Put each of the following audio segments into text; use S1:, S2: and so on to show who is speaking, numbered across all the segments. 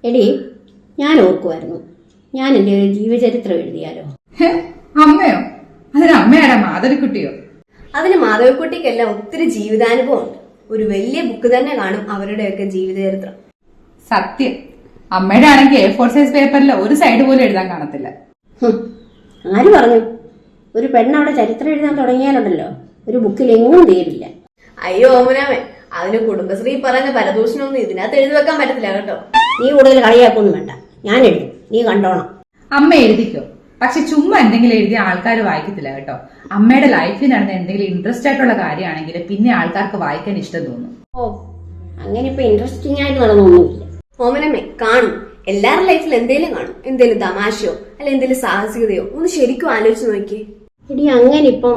S1: എടി, ഞാൻ ഓർക്കുമായിരുന്നു, ഞാൻ എൻ്റെ ഒരു ജീവചരിത്രം എഴുതിയാലോ?
S2: അമ്മയോ? അതിന് അമ്മയാടാ മാധവിക്കുട്ടിയോ?
S3: അതിന് മാധവിക്കുട്ടിക്കെല്ലാം ഒത്തിരി ജീവിതാനുഭവം ഉണ്ട്. ഒരു വലിയ ബുക്ക് തന്നെ കാണും അവരുടെയൊക്കെ ജീവിതചരിത്രം.
S2: സത്യം. അമ്മയുടെ ആണെങ്കിൽ A4 സൈസ് പേപ്പറിൽ ഒരു സൈഡ് പോലും എഴുതാൻ കാണത്തില്ല.
S1: ആര് പറഞ്ഞു? ഒരു പെണ്ണവിടെ ചരിത്രം എഴുതാൻ തുടങ്ങിയാലുണ്ടല്ലോ, ഒരു ബുക്കിൽ എങ്ങും തീരില്ല.
S3: അയ്യോ ഓമനാമേ, അതിന് കുടുംബശ്രീ പറഞ്ഞ പരദൂഷണമൊന്നും ഇതിനകത്ത് എഴുതി വെക്കാൻ പറ്റത്തില്ല കേട്ടോ.
S1: നീ കൂടുതൽ കളിയാക്കൊന്നും വേണ്ട, ഞാൻ എഴുതും, നീ കണ്ടോണം.
S2: അമ്മ എഴുതിക്കോ, പക്ഷെ ചുമ്മാ എന്തെങ്കിലും എഴുതിയ ആൾക്കാർ വായിക്കത്തില്ല കേട്ടോ. അമ്മയുടെ ലൈഫിൽ നടന്ന എന്തെങ്കിലും ഇൻട്രസ്റ്റ് ആയിട്ടുള്ള കാര്യമാണെങ്കിൽ പിന്നെ ആൾക്കാർക്ക് വായിക്കാൻ ഇഷ്ടം തോന്നും.
S1: ഓ, അങ്ങനെ ഇപ്പൊ ഇൻട്രസ്റ്റിംഗ് ആയിട്ട് നടന്നൊന്നുമില്ല.
S3: ഓമനമ്മേ കാണും, എല്ലാവരുടെ ലൈഫിൽ എന്തേലും കാണും. എന്തേലും തമാശയോ അല്ല എന്തേലും സാഹസികതയോ ഒന്ന് ശരിക്കും ആലോചിച്ച് നോക്കിയേ.
S1: എടി, അങ്ങനെ ഇപ്പം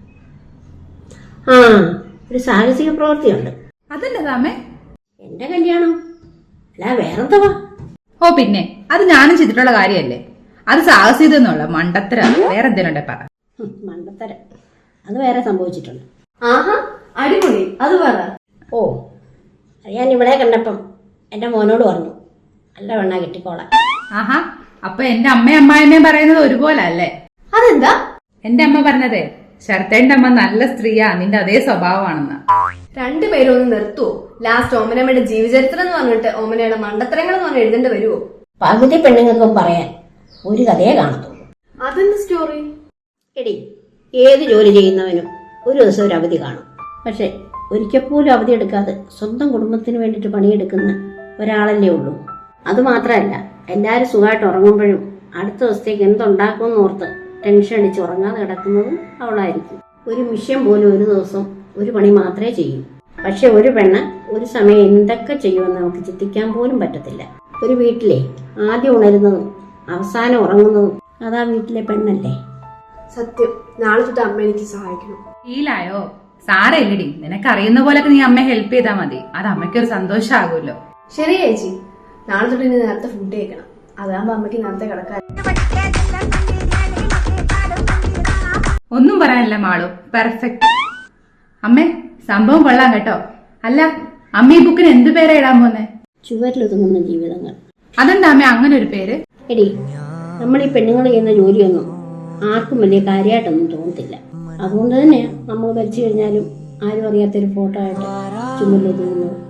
S1: ഒരു സാഹസിക പ്രവൃത്തിയുണ്ട്.
S2: അതെന്താമേ?
S1: എന്റെ കല്യാണം. അല്ല, വേറെന്തവാ?
S2: ഓ പിന്നെ, അത് ഞാനും ചെയ്തിട്ടുള്ള കാര്യമല്ലേ. അത് സാഹസികതയൊന്നുമല്ല, മണ്ടത്തര. വേറെ എന്തെങ്കിലും ഉണ്ടെ പറ.
S1: മണ്ടത്തരം അത് വേറെ സംഭവിച്ചിട്ടുണ്ട്.
S3: ആഹാ, അടിപൊളി, അത് പറ.
S1: ഓ, അത് ഞാൻ ഇവിടെ കണ്ടപ്പം എന്റെ മോനോട് പറഞ്ഞു, നല്ല വെണ്ണ കെട്ടിക്കോളാൻ.
S2: ആഹാ, അപ്പൊ എന്റെ അമ്മയും അമ്മായിമ്മയും പറയുന്നത് ഒരുപോലെ അല്ലേ?
S3: അതെന്താ?
S2: എന്റെ അമ്മ പറഞ്ഞതേ, ശരത്തേന്റെ അമ്മ നല്ല സ്ത്രീയാ, നിന്റെ അതേ സ്വഭാവമാണെന്ന്.
S3: രണ്ടുപേരും ഒന്ന് നിർത്തുവോ? ലാസ്റ്റ് ഓമനമ്മയുടെ ജീവചരിത്രം എന്ന് പറഞ്ഞിട്ട് ഓമനയുടെ മണ്ടത്തരങ്ങൾ എന്ന് പറഞ്ഞ് എഴുതേണ്ടി വരുവോ?
S1: പകുതി പെണ്ണുങ്ങൾക്കും പറയാൻ ഒരു കഥയെ കാണത്തുള്ളൂ.
S3: അതെന്ത് സ്റ്റോറി?
S1: എടി, ഏത് ജോലി ചെയ്യുന്നവനും ഒരു ദിവസം ഒരു അവധി കാണും. പക്ഷെ ഒരിക്കൽ പോലും അവധി എടുക്കാതെ സ്വന്തം കുടുംബത്തിന് വേണ്ടിയിട്ട് പണിയെടുക്കുന്ന ഒരാളല്ലേ ഉള്ളൂ. അതുമാത്രമല്ല, എല്ലാവരും സുഖമായിട്ട് ഉറങ്ങുമ്പോഴും അടുത്ത ദിവസത്തേക്ക് എന്തുണ്ടാക്കുമെന്ന് ഓർത്ത് ടെൻഷൻ അടിച്ച് ഉറങ്ങാതെ കിടക്കുന്നതും അവളായിരിക്കും. ഒരു മിഷ്യൻ പോലും ഒരു ദിവസം ഒരു പണി മാത്രമേ ചെയ്യൂ. പക്ഷെ ഒരു പെണ്ണ് ഒരു സമയം എന്തൊക്കെ ചെയ്യുമെന്ന് നമുക്ക് ചിന്തിക്കാൻ പോലും പറ്റത്തില്ല. ഒരു വീട്ടിലെ ആദ്യം ഉണരുന്നതും അവസാനം ഉറങ്ങുന്നതും അതാ വീട്ടിലെ പെണ്ണല്ലേ.
S3: സത്യം, നാളെ തൊട്ട് അമ്മ എനിക്ക് സഹായിക്കണം.
S2: ഫീലായോ? സാരയില്ലടി, നിനക്കറിയുന്ന പോലൊക്കെ നീ അമ്മയെ ഹെൽപ്പ് ചെയ്താൽ മതി. അത് അമ്മയ്ക്കൊരു സന്തോഷമാകുമല്ലോ.
S3: ശരി ചേച്ചി, നാളെ തൊട്ട് ഇനി നേരത്തെ ഫുഡ് കഴിക്കണം. അതാകുമ്പോ അമ്മയ്ക്ക് നേരത്തെ കിടക്കാൻ.
S2: ഒന്നും പറയാനില്ല മാളു, പെർഫെക്റ്റ്. അമ്മേ, സംഭവം കൊള്ളാം കേട്ടോ. അല്ല, അമ്മ ഈ ബുക്കിന് എന്ത് പേരാ ഇടാൻ പോന്നെ?
S1: ചുവരിലൊതുങ്ങുന്ന ജീവിതങ്ങൾ.
S2: അതെന്താ അമ്മ അങ്ങനെ ഒരു പേര്? എടി,
S1: നമ്മൾ ഈ പെണ്ണുങ്ങൾ ചെയ്യുന്ന ജോലിയൊന്നും ആർക്കും വലിയ കാര്യമായിട്ടൊന്നും തോന്നത്തില്ല. അതുകൊണ്ട് തന്നെയാണ് നമ്മൾ മരിച്ചു കഴിഞ്ഞാലും ആരും അറിയാത്തൊരു ഫോട്ടോ ആയിട്ട് ചുമരിലൊതുങ്ങുന്നത്.